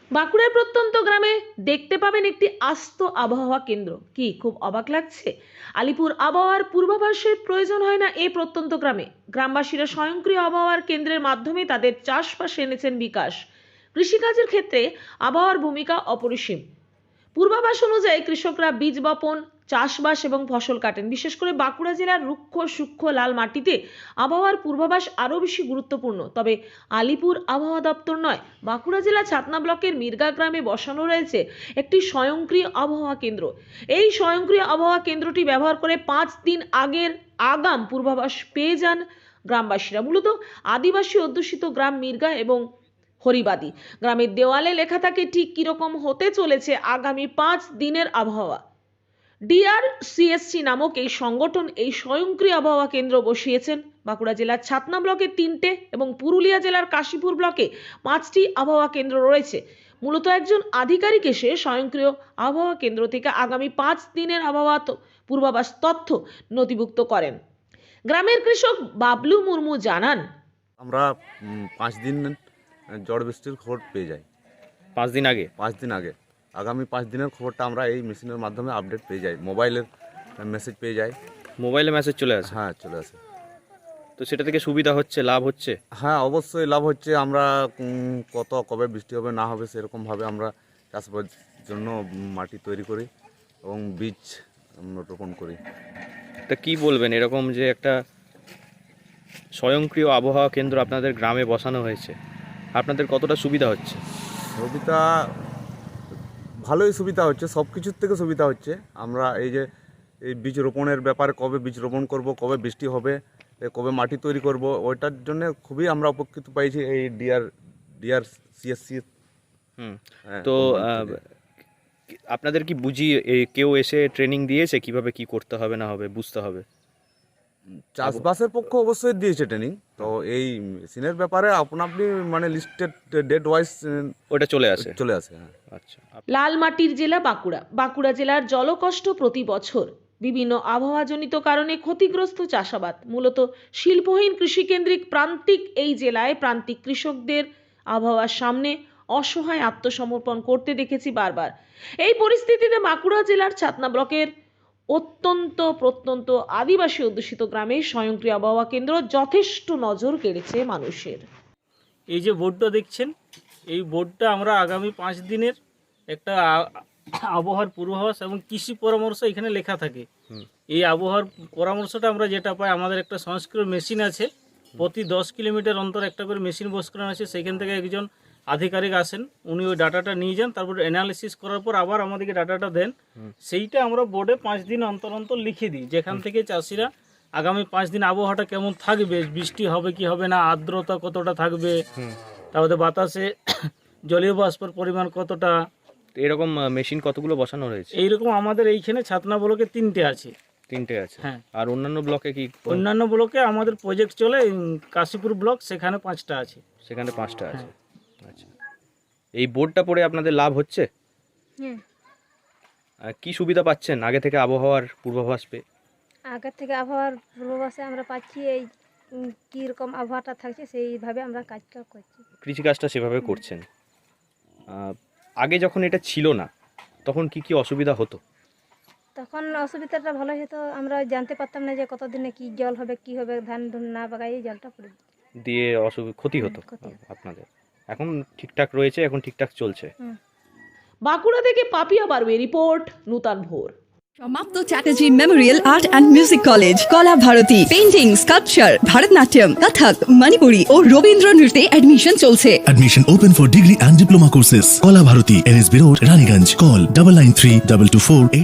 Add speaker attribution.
Speaker 1: বাঁকুড়ার প্রত্যন্ত গ্রামে দেখতে পাবেন একটি আস্ত আবহাওয়া কেন্দ্র। কি খুব অবাক লাগছে? আলিপুর আবহাওয়ার পূর্বাভাসের প্রয়োজন হয় না এই প্রত্যন্ত গ্রামে। গ্রামবাসীরা স্বয়ংক্রিয় আবহাওয়ার কেন্দ্রের মাধ্যমে তাদের চাষবাসে এনেছেন বিকাশ। কৃষিকাজের ক্ষেত্রে আবহাওয়ার ভূমিকা অপরিসীম। পূর্বাভাস অনুযায়ী কৃষকরা বীজ বপন, চাষবাস এবং ফসল কাটেন। বিশেষ করে বাঁকুড়া জেলার রুক্ষ সূক্ষ্ম লাল মাটিতে আবহাওয়ার পূর্বাভাস আরও বেশি গুরুত্বপূর্ণ। তবে আলিপুর আবহাওয়া দপ্তর নয়, বাঁকুড়া জেলা ছাতনা ব্লকের মির্গা গ্রামে বসানো রয়েছে একটি স্বয়ংক্রিয় আবহাওয়া কেন্দ্র। এই স্বয়ংক্রিয় আবহাওয়া কেন্দ্রটি ব্যবহার করে 5 দিন আগের আগাম পূর্বাভাস পেয়ে যান গ্রামবাসীরা। মূলত আদিবাসী অধ্যুষিত গ্রাম মির্গা এবং হরিবাদী। গ্রামের দেওয়ালে লেখা থাকে ঠিক কিরকম হতে চলেছে আগামী 5 দিনের আবহাওয়া। ডিআরসিএসসি নামক এই সংগঠন এই স্বয়ংক্রিয় আবহাওয়া কেন্দ্র বসিয়েছেন। বাঁকুড়া জেলার ছাতনা ব্লকে 3টে এবং পুরুলিয়া জেলার কাশীপুর ব্লকে 5টি আবহাওয়া কেন্দ্র রয়েছে। মূলত একজন আধিকারিক এসে স্বয়ংক্রিয় আবহাওয়া কেন্দ্র থেকে আগামী 5 দিনের আবহাওয়া পূর্বাভাস তথ্য নথিভুক্ত করেন। গ্রামের কৃষক বাবলু মুর্মু জানান,
Speaker 2: আমরা 5 দিন ঝড় বৃষ্টির খবর পেয়ে যাই।
Speaker 3: 5 দিন আগে
Speaker 2: 5 দিন আগে আগামী 5 দিনের খবরটা আমরা এই মেশিনের মাধ্যমে আপডেট পেয়ে যাই, মোবাইলের মেসেজ পেয়ে যাই।
Speaker 3: মোবাইলে মেসেজ চলে আসে?
Speaker 2: হ্যাঁ, চলে আসে।
Speaker 3: তো সেটা থেকে সুবিধা হচ্ছে, লাভ হচ্ছে?
Speaker 2: হ্যাঁ, অবশ্যই লাভ হচ্ছে। আমরা কবে বৃষ্টি হবে না হবে সেরকমভাবে আমরা চাষবাসের জন্য মাটি তৈরি করি এবং বীজ আমরা রোপণ করি।
Speaker 3: তা কি বলবেন, এরকম যে একটা স্বয়ংক্রিয় আবহাওয়া কেন্দ্র আপনাদের গ্রামে বসানো হয়েছে, আপনাদের কতটা সুবিধা হচ্ছে?
Speaker 2: সুবিধা ভালোই সুবিধা হচ্ছে, সব কিছুর থেকে সুবিধা হচ্ছে। আমরা এই যে এই বীজ রোপণের ব্যাপারে, কবে বীজ রোপণ করব, কবে বৃষ্টি হবে, কবে মাটি তৈরি করব, ওইটার জন্য খুবই আমরা উপকৃত পাইছি এই ডিআরসিএসসি।
Speaker 3: তো আপনাদের কি কেউ এসে ট্রেনিং দিয়েছে কিভাবে কি করতে হবে না হবে বুঝতে হবে?
Speaker 2: চাষবাসের পক্ষে অবশ্যই দিয়েছে ট্রেনিং। তো এই মেশিনের ব্যাপারে আপনি মানে লিস্টেড ডেট ওয়াইজ
Speaker 3: ওটা চলে আসে?
Speaker 2: হ্যাঁ।
Speaker 3: আচ্ছা।
Speaker 1: লাল মাটির জেলা বাঁকুড়া। বাঁকুড়া জেলার জলকষ্ট প্রতি বছর বিভিন্ন আবহাওয়াজনিত কারণে ক্ষতিগ্রস্ত চাষাবাদ। মূলত শিল্পহীন কৃষিকেন্দ্রিক প্রান্তিক এই জেলায় প্রান্তিক কৃষকদের আবহাওয়ার সামনে অসহায় আত্মসমর্পণ করতে দেখেছি বারবার। এই পরিস্থিতিতে বাঁকুড়া জেলার ছাতনা ব্লকের অত্যন্ত প্রত্যন্ত আদিবাসী অধ্যুষিত গ্রামে স্বয়ংক্রিয় আবহাওয়া কেন্দ্র যথেষ্ট নজর কেড়েছে মানুষের।
Speaker 4: এই যে বোর্ডটা দেখছেন, এই বোর্ডটা আমরা আগামী 5 দিনের একটা আবহাওয়ার পূর্বাভাস এবং কৃষি পরামর্শ এখানে লেখা থাকে। এই আবহাওয়ার পরামর্শটা আমরা যেটা পাই, আমাদের একটা সংস্কৃত মেশিন আছে, প্রতি 10 কিলোমিটার অন্তর একটা করে মেশিন বস করানো আছে। সেখান থেকে একজন আধিকারিক আসেন, উনি ওই ডাটাটা নিয়ে যান, তারপর অ্যানালিসিস করার পর আবার আমাদেরকে ডাটাটা দেন। সেইটা আমরা বোর্ডে 5 দিন অন্তর অন্তর লিখে দিই, যেখান থেকে চাষিরা আগামী 5 দিন আবহাওয়াটা কেমন থাকবে, বৃষ্টি হবে কি হবে না, আর্দ্রতা কতটা থাকবে, তারপরে বাতাসে জলীয় বাষ্পের পরিমাণ কতটা।
Speaker 3: এরকম মেশিন কতগুলো বসানো রয়েছে?
Speaker 4: এইরকম আমাদের এইখানে ছাতনা ব্লকে 3টে আছে।
Speaker 3: 3টে আছে?
Speaker 4: হ্যাঁ।
Speaker 3: আর অন্যান্য ব্লকে কি?
Speaker 4: অন্যান্য ব্লকে আমাদের প্রজেক্ট চলে, কাশীপুর ব্লক, সেখানে 5টা আছে।
Speaker 3: সেখানে 5টা আছে। আচ্ছা। এই বোর্ডটা পড়ে আপনাদের লাভ হচ্ছে? কি সুবিধা পাচ্ছেন আগে থেকে আবহাওয়ার পূর্বাভাস পেয়ে?
Speaker 5: আগের থেকে আবহাওয়ার পূর্বাভাসে আমরা পাচ্ছি এই কীরকম আবহাওয়াটা থাকছে সেইভাবে আমরা কাজটা করছি,
Speaker 3: কৃষিকাজটা সেভাবে করছেন। আগে যখন এটা ছিল না তখন কি কি অসুবিধা হতো?
Speaker 5: তখন অসুবিধাটা ভালো হতো, আমরা জানতে পারতাম না যে কতদিনে কি জল হবে, কি হবে, ধান না বাগাই জলটা পড়ে
Speaker 3: দিয়ে ক্ষতি হতো আপনাদের। এখন ঠিকঠাক রয়েছে, এখন ঠিকঠাক চলছে।
Speaker 1: বাঁকুড়া থেকে পাপিয়া বারুয়ে রিপোর্ট, নূতন ভোর।
Speaker 6: সমাপ্ত Chatterjee memorial art and music college, Kala Bharati, painting, sculpture, Bharatanatyam, Kathak, Manipuri ও রবীন্দ্র নৃত্যে অ্যাডমিশন চলছে।
Speaker 7: Admission open for degree and diploma courses. Kola Bharati, NSB Road, Raniganj. Call 993224